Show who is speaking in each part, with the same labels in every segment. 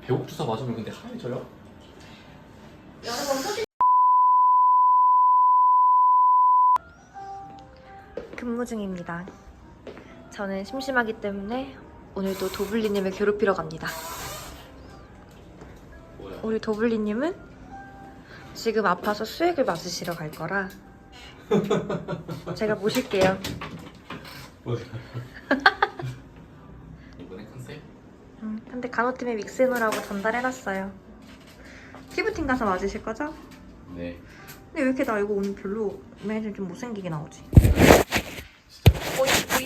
Speaker 1: 배옥 주사 맞으면 근데 하얘져요?
Speaker 2: 여러 번 터지.
Speaker 3: 근무 중입니다. 저는 심심하기 때문에 오늘도 도블리님을 괴롭히러 갑니다.
Speaker 1: 뭐야?
Speaker 3: 우리 도블리님은 지금 아파서 수액을 맞으시러 갈 거라 제가 모실게요.
Speaker 1: 뭐야? 이번에 컨셉?
Speaker 3: 근데 간호팀에 믹스해놓으라고 전달해놨어요. 피부팀 가서 맞으실 거죠?
Speaker 1: 네.
Speaker 3: 근데 왜 이렇게 나 이거 오늘 별로 매일 좀 못생기게 나오지?
Speaker 1: 진짜.
Speaker 3: 오이.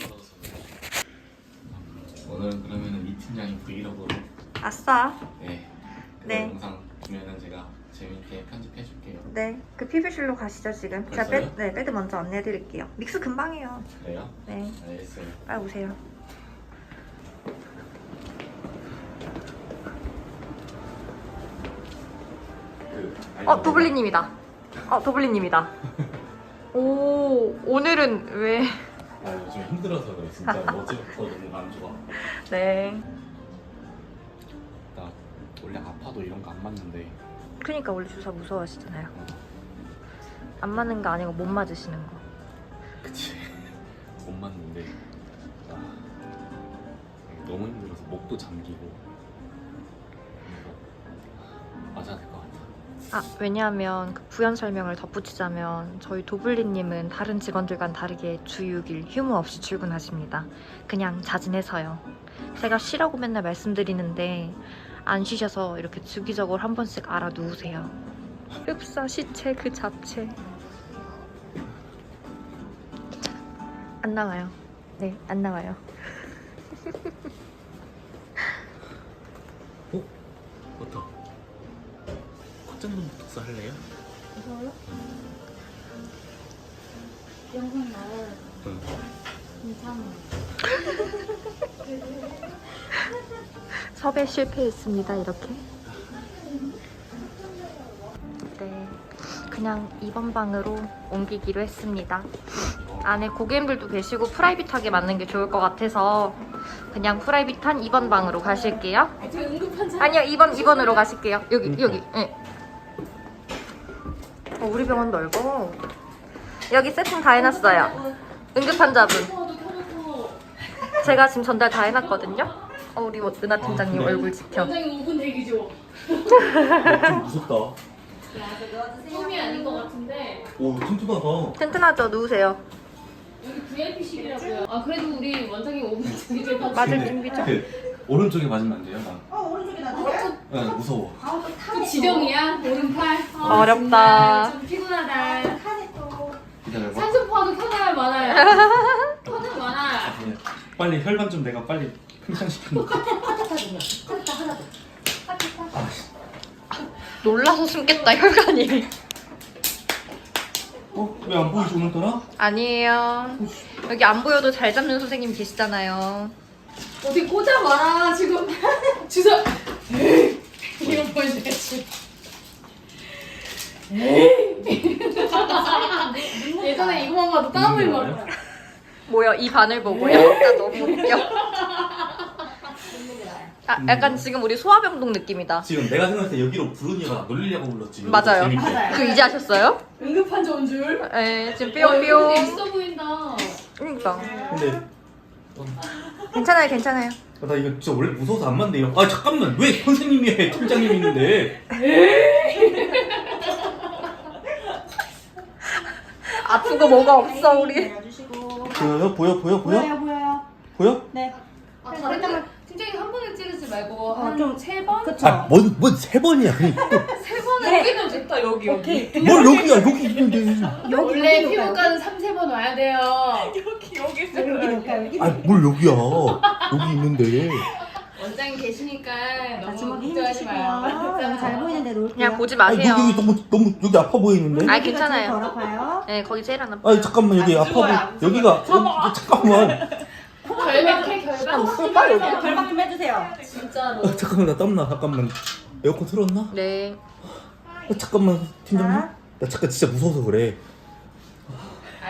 Speaker 1: 오늘은 그러면은 이 팀장이 브이로그로
Speaker 3: 아싸.
Speaker 1: 네. 그
Speaker 3: 네.
Speaker 1: 영상 보면은 제가 재밌게 편집해줄게요.
Speaker 3: 네, 그 피부실로 가시죠 지금. 제가
Speaker 1: 벌써요?
Speaker 3: 배드 먼저 안내해드릴게요. 믹스 금방해요.
Speaker 1: 그래요?
Speaker 3: 네,
Speaker 1: 알겠어요.
Speaker 3: 빨리 오세요. 도블리님이다. 도블리님이다. 오, 오늘은 왜?
Speaker 1: 아 요즘 힘들어서 그래. 진짜 어제부터 너무 안 좋아.
Speaker 3: 네.
Speaker 1: 나 원래 아파도 이런 거 안 맞는데.
Speaker 3: 그러니까 원래 주사 무서워하시잖아요. 안 맞는 거 아니고 못 맞으시는 거.
Speaker 1: 그치. 못 맞는데. 아, 너무 힘들어서 목도 잠기고. 그래서 맞아야 될 것 같아.
Speaker 3: 왜냐하면 그 부연 설명을 덧붙이자면 저희 도블리님은 다른 직원들과는 다르게 주 6일 휴무 없이 출근하십니다. 그냥 자진해서요. 제가 쉬라고 맨날 말씀드리는데 안 쉬셔서 이렇게 주기적으로 한 번씩 알아누우세요. 흡사 시체 그 자체. 안 나와요. 네, 안 나와요.
Speaker 1: 버터. 콧장동 독서 할래요?
Speaker 2: 이거요? 영상 나와요.
Speaker 1: 응.
Speaker 2: 괜찮아요.
Speaker 3: 섭외 실패했습니다. 이렇게. 네, 그냥 이번 방으로 옮기기로 했습니다. 안에 고객님들도 계시고 프라이빗하게 맞는 게 좋을 것 같아서 그냥 프라이빗한 2번 방으로 가실게요.
Speaker 2: 저 응급환자.
Speaker 3: 아니요, 2번으로 가실게요. 여기. 네. 우리 병원 넓어. 여기 세팅 다 해놨어요. 응급환자분. 제가 지금 전달 다 해놨거든요. 우리 은하 팀장님
Speaker 1: 그래?
Speaker 3: 얼굴 지켜.
Speaker 2: 원장님 5분 대기죠.
Speaker 1: 좀 무섭다.
Speaker 2: 처음이 아닌 것 같은데
Speaker 1: 오 튼튼하다.
Speaker 3: 튼튼하죠? 누우세요.
Speaker 2: 여기 VIP실이라고요. 그래도 우리 원장님 5분 대기죠.
Speaker 3: 맞을 준비죠?
Speaker 1: 오른쪽에 맞으면 안 돼요? 나.
Speaker 4: 오른쪽에 놔둬요?
Speaker 1: 네, 무서워.
Speaker 2: 또 지정이야? 오른팔?
Speaker 3: 어렵다.
Speaker 2: 정말 좀 피곤하다.
Speaker 4: 칸에 또
Speaker 1: 기다려봐.
Speaker 2: 산소포화도 켜놔야 많아요. 켜놔야 많아.
Speaker 1: 네. 빨리 혈관 좀 내가 빨리 팽창시켜놓고.
Speaker 3: 놀라서 숨겠다, 혈관이.
Speaker 1: 왜 안 보이지 오늘따라?
Speaker 3: 아니에요. 여기 안 보여도 잘 잡는 선생님 계시잖아요.
Speaker 2: 어디 꽂아봐라 지금. 주사. 에이. 이거 보여줘야지. 예전에 이거만 봐도 땀을 막.
Speaker 3: 뭐야, 이 반을 보고요? 나 너무 웃겨. 약간 지금 우리 소아병동 느낌이다.
Speaker 1: 지금 내가 생각할 때 여기로 부르니가 나 놀리려고 불렀지.
Speaker 3: 맞아요.
Speaker 1: 재밌게.
Speaker 3: 그 이제 하셨어요?
Speaker 2: 응급환자 온 줄.
Speaker 3: 네, 지금
Speaker 2: 되게
Speaker 3: 뿅뿅.
Speaker 2: 있어 보인다.
Speaker 3: 그러니까.
Speaker 1: 근데
Speaker 3: 괜찮아요.
Speaker 1: 나 이거 진짜 원래 무서워서 안 맞네요. 아 잠깐만 왜 선생님이 해 팀장님 있는데.
Speaker 3: 아프고 뭐가 없어, 우리.
Speaker 4: 내려주시고.
Speaker 1: 보여요? 보여요?
Speaker 4: 보여요.
Speaker 1: 보여?
Speaker 4: 네.
Speaker 2: 다른 데 팀장님 한 번에 찌르지 말고 한
Speaker 4: 좀
Speaker 2: 세 번?
Speaker 4: 그쵸.
Speaker 1: 뭔세 번이야.
Speaker 2: 세 번은 여기는 됐다 여기.
Speaker 4: 오케이.
Speaker 1: 뭘 여기야 여기 있는데.
Speaker 2: 원래
Speaker 4: 여기
Speaker 2: 피부과는 3-3번 와야 돼요.
Speaker 4: 여기 놓을까요? 여기.
Speaker 1: 뭘 여기야. 여기 있는데.
Speaker 2: 원장님 계시니까 너무
Speaker 4: 마지막에
Speaker 2: 걱정하지
Speaker 4: 힘주시고요.
Speaker 2: 마요.
Speaker 4: 여기 잘 보이는데 놓을게요.
Speaker 3: 그냥 보지
Speaker 1: 아니
Speaker 3: 마세요.
Speaker 1: 여기 너무 여기 아파 보이는데.
Speaker 3: 아, 괜찮아요.
Speaker 4: 덜 아파요.
Speaker 3: 네, 거기 제일 안 아파.
Speaker 1: 아니 잠깐만 여기 아파 보이. 여기가 잠깐만.
Speaker 2: 결박해 결박.
Speaker 3: 오빠 여기.
Speaker 4: 결박 좀 해주세요.
Speaker 2: 진짜로.
Speaker 1: 잠깐만 나 땀나. 잠깐만. 에어컨 틀었나?
Speaker 3: 네.
Speaker 1: 잠깐만 팀장님.
Speaker 4: 자.
Speaker 1: 나 잠깐 진짜 무서워서 그래.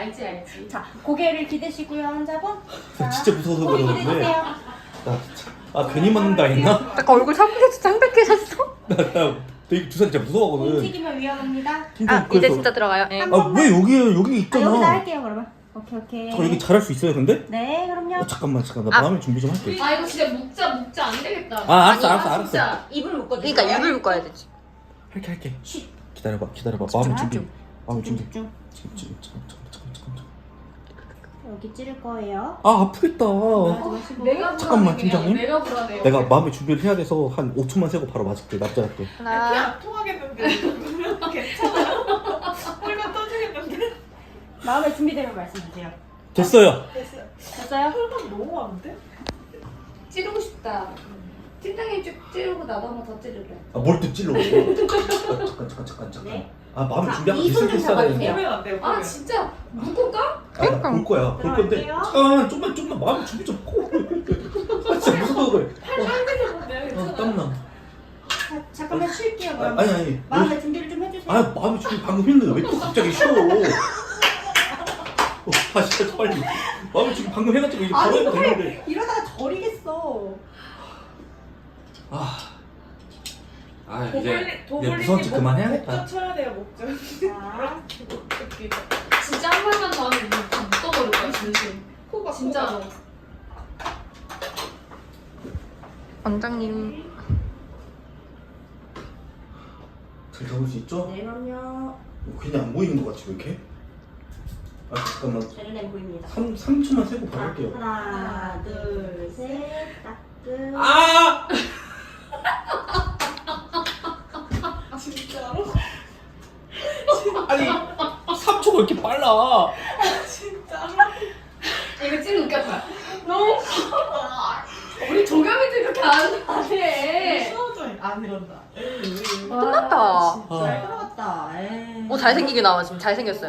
Speaker 2: 알지.
Speaker 4: 자, 고개를 기대시고요, 환자분.
Speaker 1: 나
Speaker 4: 자,
Speaker 1: 진짜 무서워서
Speaker 4: 고개
Speaker 1: 그러는데.
Speaker 4: 기대주세요.
Speaker 1: 아 괜히 맞는다 했나?
Speaker 3: 아까 얼굴 창백해서 창백해졌어.
Speaker 1: 나 되게 주사 진짜 무서워하거든.
Speaker 4: 움직이면 위험합니다.
Speaker 1: 팀장
Speaker 3: 아 이제 진짜 들어가요. 네.
Speaker 1: 아 왜 여기
Speaker 4: 아,
Speaker 1: 있잖아.
Speaker 4: 여기다 할게요 그러면. 오케이.
Speaker 1: 저 여기 잘할 수 있어요 근데?
Speaker 4: 네 그럼요.
Speaker 1: 잠깐만 나
Speaker 3: 아.
Speaker 1: 마음의 준비 좀 할게.
Speaker 2: 아 이거 진짜 묶자 안 되겠다.
Speaker 1: 아 알았어.
Speaker 2: 진짜.
Speaker 4: 입을 묶어줘.
Speaker 3: 그러니까 입을 묶어야 되지.
Speaker 1: 할게.
Speaker 4: 쉿.
Speaker 1: 기다려봐. 마음의 준비. 마음의 준비.
Speaker 4: 집중.
Speaker 1: 잠깐.
Speaker 4: 여기 찌를 거예요.
Speaker 1: 아 아프겠다.
Speaker 2: 내가
Speaker 1: 잠깐만,
Speaker 2: 불안해,
Speaker 1: 팀장님.
Speaker 2: 내가 불안해요.
Speaker 1: 내가 마음의 준비를 해야 돼서 한 5초만 세고 바로 맞을게. 납작할게.
Speaker 3: 하나.
Speaker 5: 통하겠는데 괜찮아요? 홀면 터지겠는데?
Speaker 4: 마음에 준비되면 말씀 주세요.
Speaker 1: 됐어요.
Speaker 4: 됐어요?
Speaker 5: 혈관 너무 많은데?
Speaker 2: 찌르고 싶다. 팀장님 쭉 찌르고 나도 한번 더 찌르래.
Speaker 1: 아 뭘 또 찔러. 잠깐.
Speaker 4: 네.
Speaker 1: 아 마음의
Speaker 4: 자,
Speaker 1: 준비하고
Speaker 4: 이손 좀
Speaker 1: 있어야 되는데.
Speaker 4: 잡아주세요.
Speaker 5: 보면 안 돼요.
Speaker 2: 아
Speaker 5: 보면.
Speaker 2: 진짜 묶을까?
Speaker 1: 아, 볼 거야. 볼 건데.
Speaker 4: 들어갈게요.
Speaker 1: 잠깐 좀만 마음의 준비 좀 하고. 아 진짜 무서워 그래. 땀나.
Speaker 4: 잠깐만 쉴게요 그럼.
Speaker 1: 아니.
Speaker 4: 마음의 준비를 좀 해주세요.
Speaker 1: 아 마음의 준비 방금 했는데 왜 또 갑자기 쉬어? 아 진짜 빨리. 마음의 준비 방금 해가지고 이제 바로 해도 되는데.
Speaker 4: 이러다가 저리겠어.
Speaker 1: 이제
Speaker 5: 도블리님
Speaker 1: 무서운 척 그만해야겠다.
Speaker 5: 목젖 쳐야 돼요 목젖.
Speaker 4: 자,
Speaker 2: 진짜 한 번만 더 하면 다 묶어버릴 거야 진심.
Speaker 5: 코가
Speaker 2: 진짜로.
Speaker 3: 원장님.
Speaker 1: 잘 잡을 수 있죠?
Speaker 4: 네 그럼요.
Speaker 1: 괜히 안 보이는 것 같지 왜 이렇게? 아 잠깐만.
Speaker 4: 쟤는 보입니다.
Speaker 1: 3초만 세고 바로 할게요.
Speaker 4: 하나, 둘, 셋, 따끔.
Speaker 1: 아!
Speaker 5: 진짜로?
Speaker 1: 아니 3초가 이렇게 빨라.
Speaker 5: 진짜로?
Speaker 2: 이거 찐 웃겼다. 너무 우리 조경이도 이렇게 안 해.
Speaker 5: 수호자 안 이런다.
Speaker 3: 끝났다.
Speaker 4: 잘 들어갔다. 에이.
Speaker 3: 오 잘생기게 나와 지금 잘생겼어요.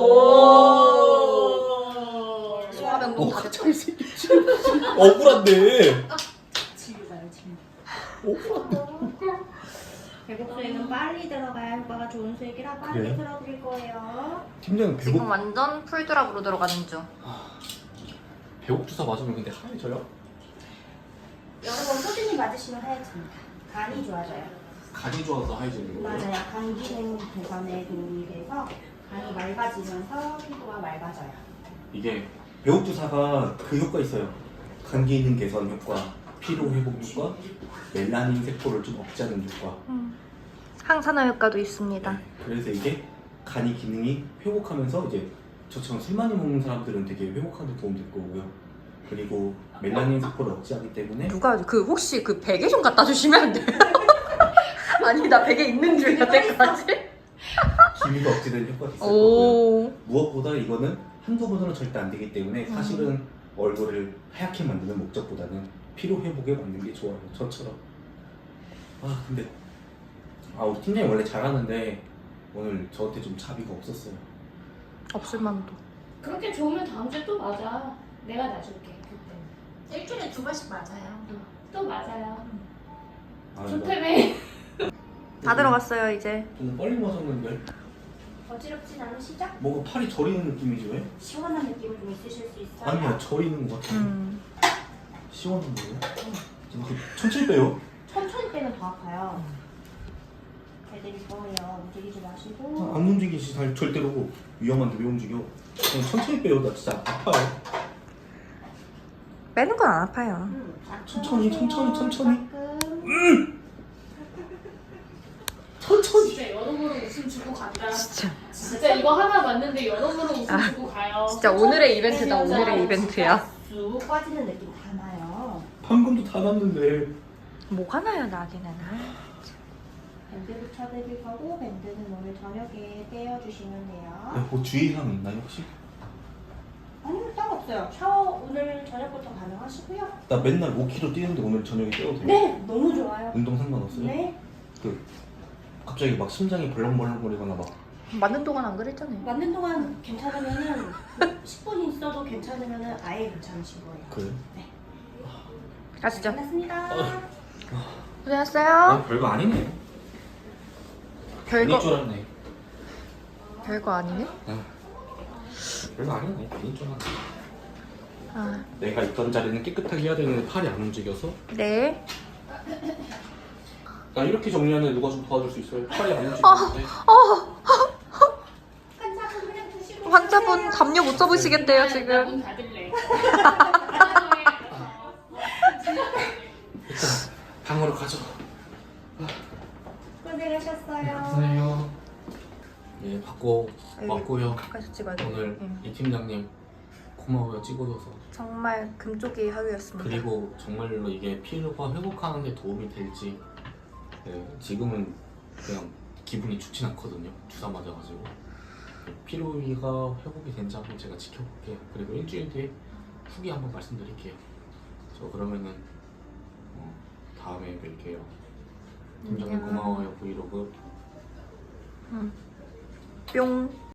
Speaker 5: 오.
Speaker 3: 소화병동 다 됐다.
Speaker 1: 잘생겼지. 억울한데.
Speaker 4: 친구가요, 친구.
Speaker 1: 억울한데.
Speaker 4: 배복 수액은 빨리 들어가야 효과가 좋은 수액이라 빨리
Speaker 1: 그래요?
Speaker 4: 들어드릴 거예요.
Speaker 1: 팀장님
Speaker 3: 지금
Speaker 1: 배곡
Speaker 3: 완전 풀드랍으로 들어가는 중.
Speaker 1: 배곡 주사 맞으면 근데 하얘져요?
Speaker 4: 여러분 소진이 맞으시면 하얘집니다. 간이 좋아져요.
Speaker 1: 간이 좋아서 하얘지는 거예요?
Speaker 4: 맞아요. 간 기능 개선에 도움이 돼서 간이 맑아지면서 피부가 맑아져요.
Speaker 1: 이게 배옥 주사가 그 효과 있어요. 간 기능 개선 효과, 피로 회복 효과, 멜라닌 세포를 좀 억제하는 효과.
Speaker 3: 항산화 효과도 있습니다.
Speaker 1: 네, 그래서 이게 간이 기능이 회복하면서 이제 저처럼 술 많이 먹는 사람들은 되게 회복하는 데 도움 될 거고요. 그리고 멜라닌 세포를 억제하기 때문에
Speaker 3: 누가 그 혹시 그 베개 좀 갖다 주시면 안 돼요? 아니 나 베개 있는 줄 여태까지.
Speaker 1: 기미가 억제되는 효과가 있을 거고요.
Speaker 3: 오.
Speaker 1: 무엇보다 이거는 한두 번으로 절대 안 되기 때문에 사실은 얼굴을 하얗게 만드는 목적보다는 피로 회복에 맞는 게 좋아요. 저처럼. 아 근데 우리 팀장이 원래 잘하는데 오늘 저한테 좀 자비가 없었어요.
Speaker 3: 없을 만도.
Speaker 2: 그렇게 좋으면 다음 주에 또 맞아. 내가 놔줄게 그때.
Speaker 4: 일주일에 2번씩 맞아요.
Speaker 2: 또 맞아요.
Speaker 1: 아,
Speaker 2: 좋다며.
Speaker 3: 다 들어갔어요 이제.
Speaker 1: 좀 빨리 맞았는데
Speaker 4: 어지럽진 않으시죠?
Speaker 1: 뭔가 팔이 저리는 느낌이지 왜?
Speaker 4: 시원한 느낌을 좀 있으실 수 있어요.
Speaker 1: 아니야 저리는 것 같아. 시원한 거예요? 좀 천천히 빼요.
Speaker 4: 천천히 빼면 더 아파요. 해드릴 거예요. 움직이지 마시고.
Speaker 1: 안 움직이시 절대로 위험한데 왜 움직여? 그냥 천천히 빼요. 나 진짜 아파요.
Speaker 3: 빼는 건 안 아파요.
Speaker 1: 천천히.
Speaker 4: 따끔.
Speaker 1: 천천히.
Speaker 2: 진짜 여러모로 웃음 주고 간다.
Speaker 3: 진짜.
Speaker 2: 진짜 이거 하나 맞는데 여러모로 웃음
Speaker 3: 아,
Speaker 2: 주고 가요.
Speaker 3: 진짜 오늘의 이벤트다 오늘의 이벤트야.
Speaker 4: 쑥 빠지는 느낌 다 나요.
Speaker 1: 방금도 다 났는데.
Speaker 3: 뭐가 나요 나기는.
Speaker 4: 밴드 붙여드릴 거고 밴드는 오늘 저녁에 떼어주시면 돼요.
Speaker 1: 뭐 주의사항 있나요 혹시?
Speaker 4: 아니요, 따로 없어요. 샤워 오늘 저녁부터 가능하시고요.
Speaker 1: 나 맨날 5kg 뛰는데 오늘 저녁에 뛰어도 돼요?
Speaker 4: 네, 너무 좋아요.
Speaker 1: 운동 상관없어요?
Speaker 4: 네,
Speaker 1: 갑자기 막 심장이 벌렁벌렁거리거나 막
Speaker 3: 맞는 동안 안 그랬잖아요.
Speaker 4: 맞는 동안 괜찮으면은 10분 있어도 괜찮으면은 아예 괜찮으신 거예요.
Speaker 1: 그래요?
Speaker 3: 가시죠.
Speaker 4: 끝났습니다.
Speaker 3: 고생했어요.
Speaker 1: 별거 아니네.
Speaker 3: 별거
Speaker 1: 줄 알았네.
Speaker 3: 별거 아니네.
Speaker 1: 별거 아니네. 괜히 줄 알았네.
Speaker 3: 아,
Speaker 1: 내가 있던 자리는 깨끗하게 해야 되는데 팔이 안 움직여서.
Speaker 3: 네.
Speaker 1: 나 이렇게 정리하는 누가 좀 도와줄 수 있어요? 팔이 안 움직이는데.
Speaker 4: 환자분 그냥 드시고
Speaker 3: 환자분 담요 못 잡으시겠대요 지금.
Speaker 2: 문 닫을래.
Speaker 1: 일단 방으로 가죠.
Speaker 4: 고생하셨어요.
Speaker 1: 감사해요. 예, 받고 왔고요.
Speaker 3: 가서 찍어야 돼.
Speaker 1: 오늘
Speaker 3: 응.
Speaker 1: 이 팀장님 고마워요, 찍어줘서.
Speaker 3: 정말 금쪽이 하루였습니다.
Speaker 1: 그리고 정말로 이게 피로가 회복하는 데 도움이 될지. 네, 지금은 그냥 기분이 좋진 않거든요. 주사 맞아가지고. 피로위가 회복이 된지 한번 제가 지켜볼게요. 그리고 일주일 뒤에 후기 한번 말씀드릴게요. 저 그러면은 다음에 뵐게요. 팀장님
Speaker 3: 안녕.
Speaker 1: 고마워요, 브이로그.
Speaker 3: 뿅.